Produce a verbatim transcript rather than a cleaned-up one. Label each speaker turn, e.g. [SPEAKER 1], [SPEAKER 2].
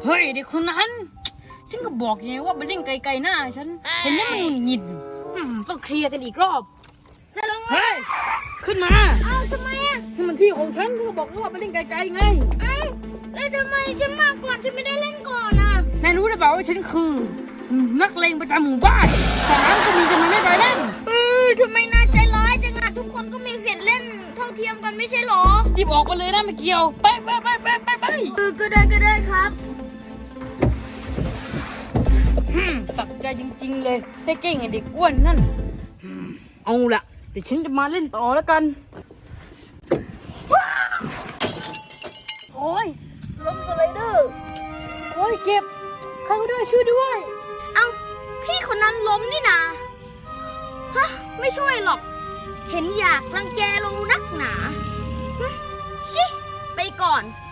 [SPEAKER 1] เฮ้ยเด็กคนนั้นฉันก็บอกไงว่าไปเล่นไกลๆหน้าฉันเห็นแล้วมันหงิดต้องเคลียร์กันอีกรอบจะลงเฮ้ยขึ้นมาอ้าวทำไมอ่ะนี่มันที่ของฉันฉันก็บอกว่าไปเล่นไกลๆไงอ้าวแล้วทำไมฉันมาก่อนฉันไม่ได้เล่นก่อนอ่ะนายรู้หรือเปล่าว่าฉันคือนักเลงประจำหมู่บ้านสนามก็มีทำไมไม่ไปเล่น
[SPEAKER 2] เออทำไมน่าใจร้ายจังอ่ะทุกคนก็มีสิทธิ์เล่นเท่าเทียมกันไม่ใช่หรอ
[SPEAKER 1] รีบออกไปเลยนะไม่เกี่ยวไปไปไปไปไปไป
[SPEAKER 2] เออก็ได้ก็ได้ครับ
[SPEAKER 1] สักใจจริงๆเลยให้เก่งไอ้เด็กอ้วนนั่นเอาละเดี๋ยวฉันจะมาเล่นต่อแล้วกันโอ้ยล้มสไลเดอร์โอ้ยเจ็บใครก็ได้ช่วยด้วย
[SPEAKER 2] เอ้าพี่คนนั้นล้มนี่นาฮะไม่ช่วยหรอกเห็นอยากรังแกลงนักหนาชิไปก่อน